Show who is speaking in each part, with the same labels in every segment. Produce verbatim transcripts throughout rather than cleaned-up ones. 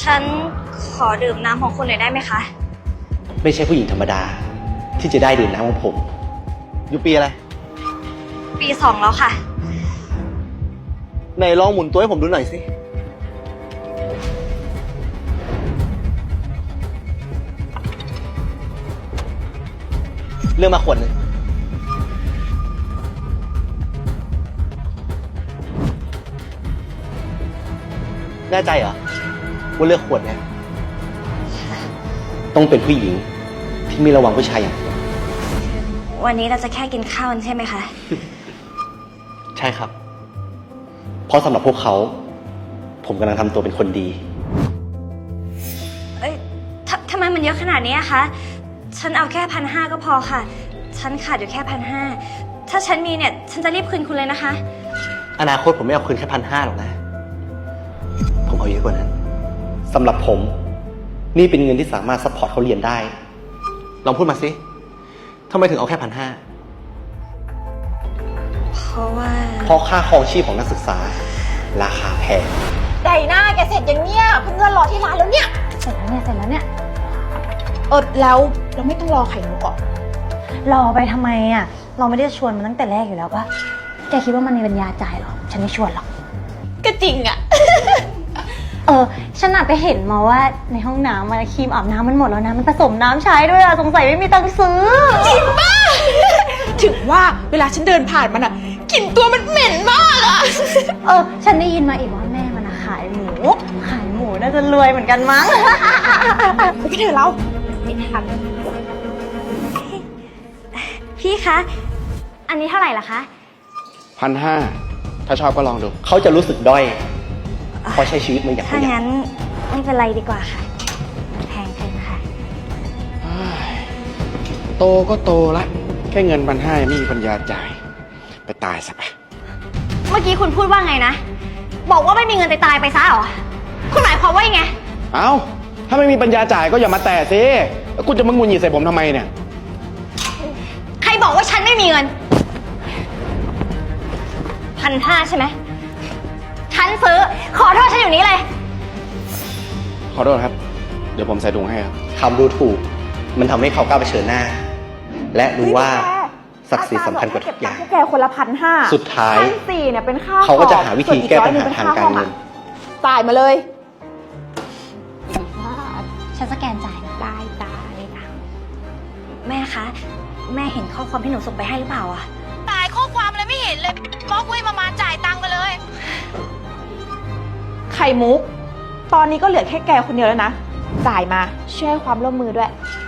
Speaker 1: ฉันขอดื่มน้ำของคุณหน่อยได้ไหมคะ
Speaker 2: ไม่ใช่ผู้หญิงธรรมดาที่จะได้ดื่มน้ำของผมอยู่ปีอะไร
Speaker 1: ปีสองแล้วค่ะ
Speaker 2: ไหนลองหมุนตัวให้ผมดูหน่อยสิเลือกมาขวดหนึ่งแน่ใจเหรอว่าเลือกขวดเนี่ยต้องเป็นผู้หญิงที่ไม่ระวังผู้ชายอย่างผม
Speaker 1: วันนี้เราจะแค่กินข้าวกันใช่ไหมคะ
Speaker 2: ใช่ครับเพราะสำหรับพวกเขาผมกำลังทำตัวเป็นคนดี
Speaker 1: เอ้ยททำไมมันเยอะขนาดนี้คะฉันเอาแค่พันห้าก็พอค่ะฉันขาดอยู่แค่พันห้าถ้าฉันมีเนี่ยฉันจะรีบคืนคุณเลยนะคะ
Speaker 2: อนาคตผมไม่เอาคืนแค่พันห้าหรอกนะผมเอาเยอะกว่านั้นสำหรับผมนี่เป็นเงินที่สามารถซัพพอร์ตเขาเรียนได้ลองพูดมาสิทำไมถึงเอาแค่พันห้า
Speaker 1: เพราะว่า
Speaker 2: เพราะค่าครองชีพของนักศึกษาราคาแพง
Speaker 3: ไดน่าแกเสร็จอย่างเนี้ยเพื่อนรอที่ร้านแล้วเนี่ย
Speaker 1: เสร็จแล้วเนี่ยเสร็จแล้วเนี่ย
Speaker 3: เออแล้วเราไม่ต้องรอไข่มุกก่อน
Speaker 1: รอไปทำไมอ่ะเราไม่ได้ชวนมันตั้งแต่แรกอยู่แล้วปะแกคิดว่ามันมีปัญญาจ่ายหรอฉันไม่ชวนหรอก
Speaker 3: ก็จริงอ่ะ
Speaker 1: เออฉันน่ะไปเห็นมาว่าในห้องน้ำมันครีมอาบน้ำมันหมดแล้วนะมันผสมน้ำใช้ด้วยอะสงสัยไม่มีตังค์ซื้อ
Speaker 3: จริงป่ะถึงว่าเวลาฉันเดินผ่านมันอะกลิ่นตัวมันเหม็นมากอะ
Speaker 1: เออฉันได้ยินมาอีกว่าแม่มันขายหมูขายหมูน่าจะรวยเหมือนกันมั้ง
Speaker 3: ไปกันเถอะเรา
Speaker 1: ไม่ทันพี่คะอันนี้เท่าไหร่ล่ะคะ
Speaker 4: พันห้าถ้าชอบก็ลองดู
Speaker 2: เขาจะรู้สึกด้อยเพราะใช้ชีวิตมาอย่าง
Speaker 1: ถ้างั้นไม่เป็นไรดีกว่าค่ะแพงเกินค่ะ
Speaker 4: โตก็โตละแค่เงินพันห้าไม่มีปัญญาจ่ายไปตายซะไป
Speaker 1: เมื่อกี้คุณพูดว่าไงนะบอกว่าไม่มีเงินตายตายไปซะเหรอคุณหมายความว่ายังไง
Speaker 4: เอ้าถ้าไม่มีปัญญาจ่ายก็อย่ามาแตะสิแล้วคุณจะมาหงุดหงิดใส่ผมทำไมเนี่ย
Speaker 1: ใครบอกว่าฉันไม่มีเงินพันห้าใช่ไหมฉันซื้อขอโทษฉันอยู่นี้เลย
Speaker 4: ขอโทษครับเดี๋ยวผมใส่ถุงให้ครับ
Speaker 2: คำดูถูกมันทำให้เขากล้าเผชิญหน้าและรู้ว่าศักดิ์ศรีสำคัญกว่าทุกอย่าง
Speaker 3: แกคนละพันห้า
Speaker 2: สุดท้าย
Speaker 3: พันสี่เนี่ยเป็นค่า
Speaker 2: เขาก็จะหาวิธีแก้ปัญหาทางการเงิน
Speaker 3: จ่ายมาเลย
Speaker 1: ฉันสแกนจ่ายนะได้ได้แม่คะแม่เห็นข้อความที่หนูส่งไปให้หรือเปล่าอะ
Speaker 3: ตายข้อความอะไรไม่เห็นเลยบล็อกไว้มามาจ่ายตังค์มาเลยไข่มุกตอนนี้ก็เหลือแค่แกคนเดียวแล้วนะจ่ายมาช่วยให้ความร่วมมือด้วย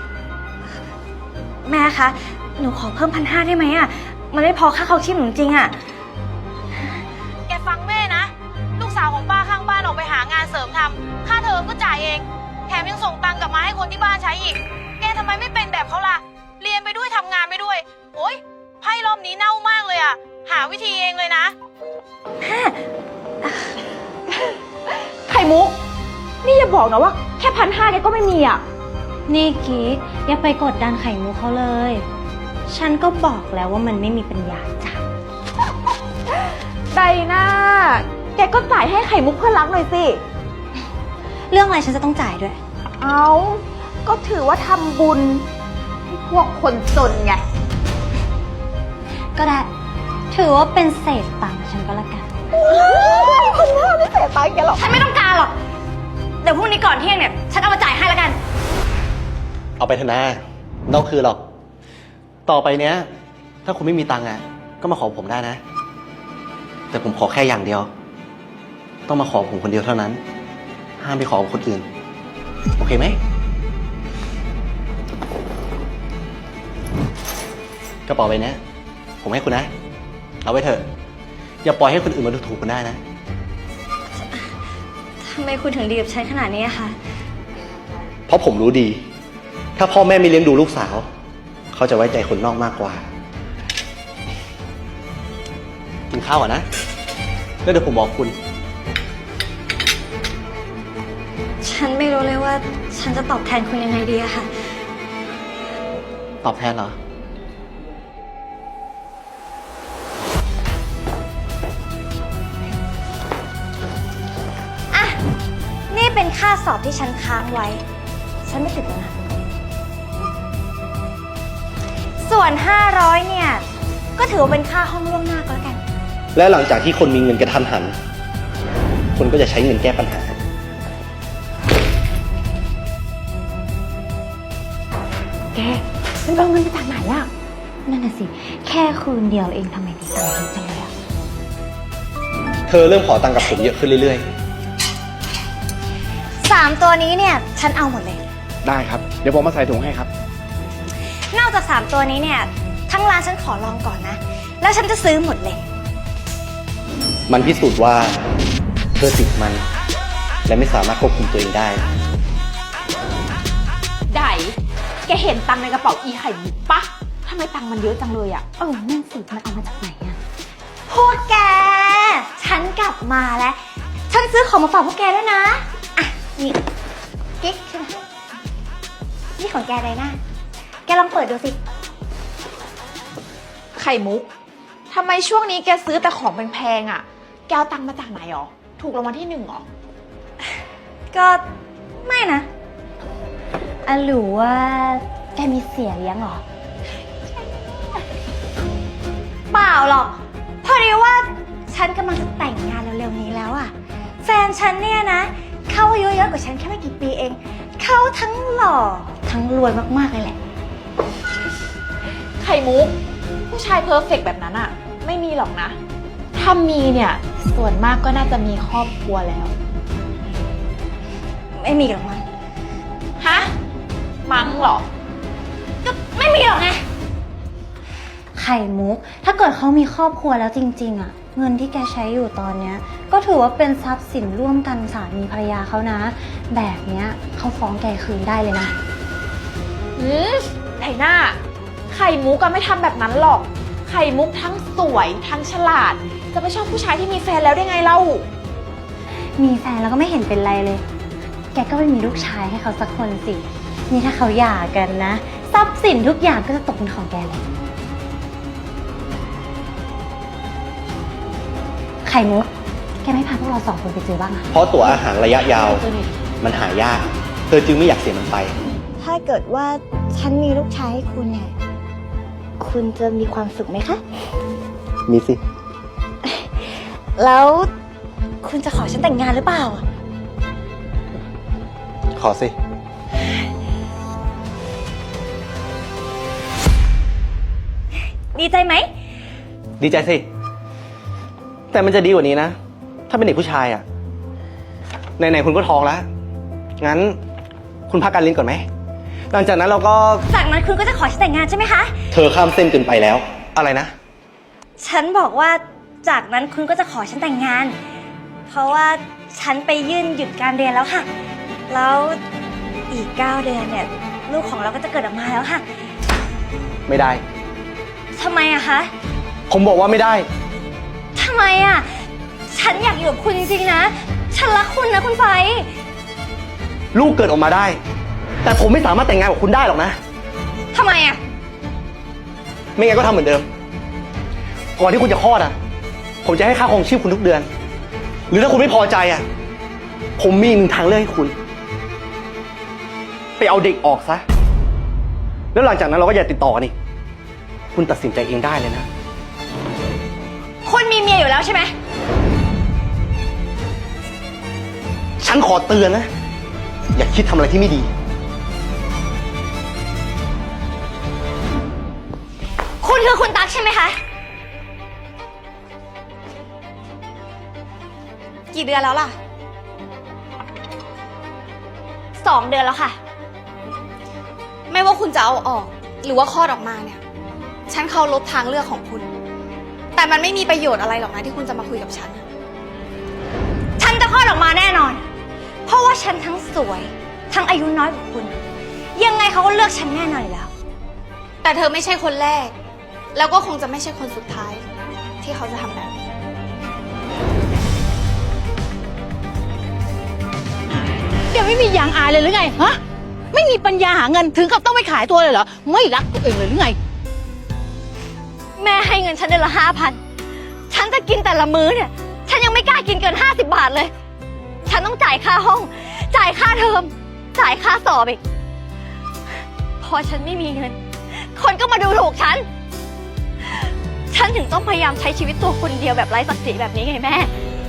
Speaker 1: แม่คะหนูขอเพิ่มพันห้าได้ไหมอะมันไม่พอค่าครองชีพหนูจริงอะ
Speaker 3: แกฟังแม่นะลูกสาวของป้าข้างบ้านออกไปหางานเสริมทำค่าเทอมก็จ่ายเองแถมยังส่งตังค์กลับมาให้คนที่บ้านใช้อีกแกทำไมไม่เป็นแบบเขาล่ะเรียนไปด้วยทำงานไปด้วยโอ๊ยไพ่รอบนี้เน่ามากเลยอะหาวิธีเองเลยนะไข่มุกนี่อย่าบอกนะว่าแค่พันห้าแกก็ไม่มีอ่ะ
Speaker 1: นี่กิ๊กอย่าไปกดดันไข่มุกเขาเลยฉันก็บอกแล้วว่ามันไม่มีปัญญาจ่าย
Speaker 3: ไดน่าแกก็จ่ายให้ไข่มุกเพื่อนรักหน่อยสิ
Speaker 1: เรื่องอะไรฉันจะต้องจ่ายด้วย
Speaker 3: เอาก็ถือว่าทำบุญให้พวกคนจนไง
Speaker 1: ก็ได้ถือว่าเป็นเศษตังค์ฉันก็แล้วกัน
Speaker 3: คนหน้าไม่เศษตังค์แกหรอก
Speaker 1: ฉันไม่ต้องการหรอกเดี๋ยวพรุ่งนี้ก่อนเที่ยงเนี่ยฉันเอามาจ่ายให้แล้วกัน
Speaker 2: เอาไปเถอะนะนอกคือหรอกต่อไปเนี้ยถ้าคุณไม่มีตังค์อ่ะก็มาขอผมได้นะแต่ผมขอแค่อย่างเดียวต้องมาขอผมคนเดียวเท่านั้นห้ามไปขอคนอื่นโอเคไหมกระเป๋าใบนี้ผมให้คุณนะเอาไว้เถอะอย่าปล่อยให้คนอื่นมาดูถูกคุณได้นะ
Speaker 1: ทำไมคุณถึงดีกับฉันขนาดนี้คะ
Speaker 2: เพราะผมรู้ดีถ้าพ่อแม่ไม่เลี้ยงดูลูกสาวเขาจะไว้ใจคนนอกมากกว่ากินข้าวอ่ะนะแล้วเดี๋ยวผมบอกคุณ
Speaker 1: ฉันไม่รู้เลยว่าฉันจะตอบแทนคุณยังไงดีอะค่ะ
Speaker 2: ตอบแทนเหรอ
Speaker 1: อ่ะนี่เป็นค่าสอบที่ฉันค้างไว้ ฉันไม่ติดแล้วนะ ส่วน ห้าร้อย เนี่ย ก็ถือว่าเป็นค่าห้องล่วงหน้าก็แล้วกัน
Speaker 2: และหลังจากที่คนมีเงินกระทันหัน คนก็จะใช้เงินแก้ปัญหา
Speaker 1: แกมันเอาเงินมาจากไหนอะนั่นน่ะสิ แค่คืนเดียวเองทำไมมีตังค์เยอะจังเลยอะ
Speaker 2: เธอเริ่มขอตังค์กับผมเยอะขึ้นเรื่อย
Speaker 1: สามตัวนี้เนี่ย ฉันเอาหมดเลย
Speaker 4: ได้ครับ เดี๋ยวผมมาใส่ถุงให้ครับ
Speaker 1: นอกจากสามตัวนี้เนี่ย ทั้งร้านฉันขอลองก่อนนะ แล้วฉันจะซื้อหมดเลย
Speaker 2: ๆ มันพิสูจน์ว่าเธอติดมัน และไม่สามารถควบคุมตัวเองได้
Speaker 3: ไดแกเห็นตังค์ในกระเป๋าอีไข่มุกปะทำไมตังค์มันเยอะจังเลยอะ
Speaker 1: เออ นั่นสิ มันเอามาจากไหนอะพวกแก ฉันกลับมาแล้ว ฉันซื้อของมาฝากพวกแกด้วยนะ อ่ะ นี่กิ๊กฉันให้นี่ของแกไดนะ แกลองเปิดดูสิ
Speaker 3: ไข่มุกทำไมช่วงนี้แกซื้อแต่ของแพงๆอะแกเอาตังค์มาจากไหนหรอ ถูกรางวัลที่หนึ่งหรอ
Speaker 1: ก็ไม่นะอ่ะหรือว่าแกมีเสียเลี้ยงเหรอ เปล่าหรอก พอดีว่าฉันกำลังจะแต่งงานเร็วๆนี้แล้วอะแฟนฉันเนี่ยนะ เขาอายุเยอะกว่าฉันแค่ไม่กี่ปีเอง เขาทั้งหล่อทั้งรวยมากๆเลยแหละ
Speaker 3: ไข่มุก ผู้ชายเพอร์เฟกต์แบบนั้นอะไม่มีหรอกนะ ถ้ามีเนี่ย ส่วนมากก็น่าจะมีครอบครัวแล้ว
Speaker 1: ไม่มีหรอกมั้ง
Speaker 3: ฮะ มั้งเหรอ
Speaker 1: ก็ไม่มีหรอกไง ไข่มุก ถ้าเกิดเขามีครอบครัวแล้วจริงๆอะเงินที่แกใช้อยู่ตอนเนี้ย ก็ถือว่าเป็นทรัพย์สินร่วมกันสามีภรรยาเขานะ แบบเนี้ยเขาฟ้องแกคืนได้เลยนะ
Speaker 3: อืมไถหน้า ไข่มุกก็ไม่ทำแบบนั้นหรอก ไข่มุกทั้งสวยทั้งฉลาด จะไปชอบผู้ชายที่มีแฟนแล้วได้ไงเล่า
Speaker 1: มีแฟนแล้วก็ไม่เห็นเป็นไรเลย แกก็ไม่มีลูกชายให้เขาสักคนสิ นี่ถ้าเขาหย่ากันนะ ทรัพย์สินทุกอย่างก็จะตกเป็นของแกเลย ไข่มุก แกไม่พาพวกเราสองคนไปเจอบ้างอะ
Speaker 2: เพราะตั๋วอาหารระยะยาว มันหายาก เธอจึงไม่อยากเสียมันไป
Speaker 1: ถ้าเกิดว่าฉันมีลูกชายให้คุณเนี่ย คุณจะมีความสุขไหมคะ
Speaker 2: มีสิ
Speaker 1: แล้วคุณจะขอฉันแต่งงานหรือเปล่า
Speaker 2: ขอสิ
Speaker 1: ดีใจไหม
Speaker 2: ดีใจสิ แต่มันจะดีกว่านี้นะ ถ้าเป็นเด็กผู้ชายอะไหนๆคุณก็ท้องแล้ว งั้นคุณพักการเรียนก่อนไหม หลังจากนั้นเราก็
Speaker 1: จากนั้นคุณก็จะขอฉันแต่งงานใช่ไหมคะ
Speaker 2: เธอข้ามเส้นเกินไปแล้ว อะไรนะ
Speaker 1: ฉันบอกว่าจากนั้นคุณก็จะขอฉันแต่งงาน เพราะว่าฉันไปยื่นหยุดการเรียนแล้วค่ะ แล้วอีกเก้าเดือนเนี่ย ลูกของเราก็จะเกิดออกมาแล้วค่ะ
Speaker 2: ไม่ได้
Speaker 1: ทำไมอะคะ
Speaker 2: ผมบอกว่าไม่ได้
Speaker 1: ทำไมอะฉันอยากอยู่กับคุณจริงๆนะ ฉันรักคุณนะคุณไฟ
Speaker 2: ลูกเกิดออกมาได้ แต่ผมไม่สามารถแต่งงานกับคุณได้หรอกนะ
Speaker 1: ทำไมอะ
Speaker 2: ไม่งั้นก็ทำเหมือนเดิม ก่อนที่คุณจะคลอดอ่ะ ผมจะให้ค่าครองชีพคุณทุกเดือน หรือถ้าคุณไม่พอใจอ่ะ ผมมีอีกหนึ่งทางเลือกให้คุณ ไปเอาเด็กออกซะ แล้วหลังจากนั้นเราก็อย่าติดต่อกันอีก คุณตัดสินใจเองได้เลยนะ
Speaker 1: คุณมีเมียอยู่แล้วใช่ไหม
Speaker 2: ฉันขอเตือนนะ อย่าคิดทำอะไรที่ไม่ดี
Speaker 1: คุณคือคุณตั๊กใช่ไหมคะ กี่เดือนแล้วล่ะ สองเดือนแล้วค่ะ
Speaker 5: ไม่ว่าคุณจะเอาออก หรือว่าคลอดออกมาเนี่ย ฉันเคารพทางเลือกของคุณ แต่มันไม่มีประโยชน์อะไรหรอกนะที่คุณจะมาคุยกับฉัน
Speaker 1: ฉันจะคลอดออกมาแน่นอน เพราะว่าฉันทั้งสวย ทั้งอายุน้อยกว่าคุณ ยังไงเขาก็เลือกฉันแน่นอนอยู่แล้ว
Speaker 5: แต่เธอไม่ใช่คนแรก แล้วก็คงจะไม่ใช่คนสุดท้าย ที่เขาจะทำแบบนี้
Speaker 6: แกไม่มียางอายเลยหรือไง ฮะ ไม่มีปัญญาหาเงินถึงกับต้องไปขายตัวเลยเหรอ ไม่รักตัวเองเลยหรือไง
Speaker 1: แม่ให้เงินฉันเดือนละห้าพัน ฉันจะกินแต่ละมื้อเนี่ย ฉันยังไม่กล้ากินเกินห้าสิบบาทเลย ฉัน
Speaker 5: ฉันต้องจ่ายค่าห้อง จ่ายค่าเทอม จ่ายค่าสอบอีก พอฉันไม่มีเงิน คนก็มาดูถูกฉัน ฉันถึงต้องพยายามใช้ชีวิตตัวคนเดียวแบบไร้ศักดิ์ศรีแบบนี้ไงแม่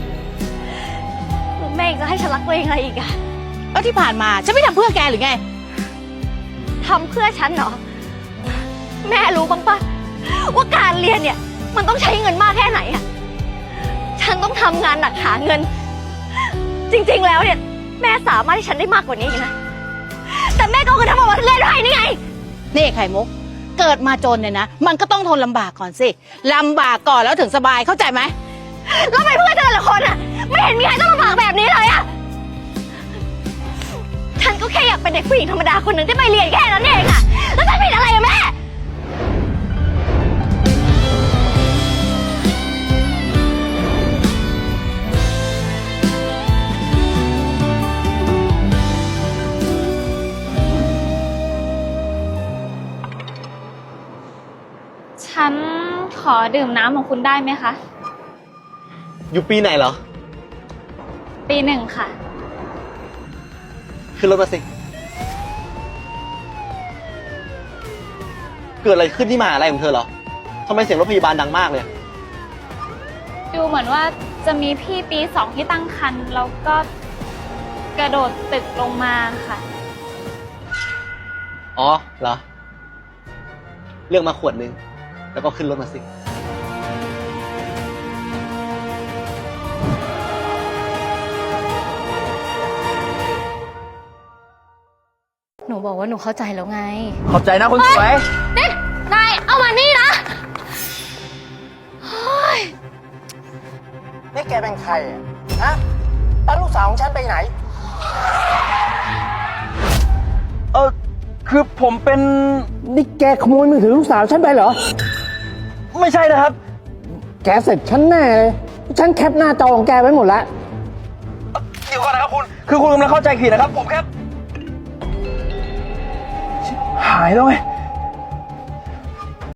Speaker 5: แล้วแม่ยังจะให้ฉันรักตัวเองอะไรอีกอะ
Speaker 6: แล้วที่ผ่านมาฉันไม่ทำเพื่อแกหรือไง
Speaker 5: ทำเพื่อฉันเหรอ แม่รู้บ้างปะว่าการเรียนเนี่ย มันต้องใช้เงินมากแค่ไหนอะฉันต้องทำงานหนักหาเงิน จริงๆแล้วเนี่ย แม่สามารถให้ฉันได้มากกว่านี้อีกนะ แต่แม่ก็เอาเงินทั้งหมดมาเล่นให้นี่ไง
Speaker 6: นี่ไข่มุก เกิดมาจนเนี่ยนะ มันก็ต้องทนลำบากก่อนสิลำบากก่อนแล้วถึงสบายเข้าใจไหม
Speaker 5: แล้วทำไมเพื่อนแต่ละคนอะไม่เห็นมีใครต้องลำบากแบบนี้เลยอะฉันก็แค่อยากเป็นเด็กผู้หญิงธรรมดาคนหนึ่งที่ไปเรียนแค่นั้นเองอะแล้วฉันผิดอะไรอะแม่
Speaker 7: ฉันขอดื่มน้ำของคุณได้ไหมคะ
Speaker 2: อยู่ปีไหนเหรอ
Speaker 7: ปีหนึ่งค่ะ
Speaker 2: ขึ้นรถมาสิ เกิดอะไรขึ้นที่มหาอะไรของเธอเหรอทำไมเสียงรถพยาบาลดังมากเลย
Speaker 7: ดูเหมือนว่าจะมีพี่ปีสองที่ตั้งครรภ์แล้วก็กระโดดตึกลงมาค่ะ
Speaker 2: อ๋อเหรอ เลือกมาขวดนึง แล้วก็ขึ้นรถมาสิ
Speaker 5: หนูบอกว่าหนูเข้าใจแล้วไง
Speaker 8: ขอบใจนะคนสวย
Speaker 5: นี่นายเอามานี่นะ
Speaker 8: นี่แกเป็นใครอ่ะ ฮะแล้วลูกสาวของฉันไปไหน เออคือผมเป็น
Speaker 9: นี่แกขโมยมือถือลูกสาวฉันไปเหรอ
Speaker 8: ไม่ใช่นะครับ
Speaker 9: แกเสร็จฉันแน่เลย ฉันแคปหน้าจอของแกไว้หมดแล้ว
Speaker 8: เดี๋ยวก่อนนะครับคุณ คือคุณกำลังเข้าใจผิดนะครับ ผมแค่ชิบหายแล้วไง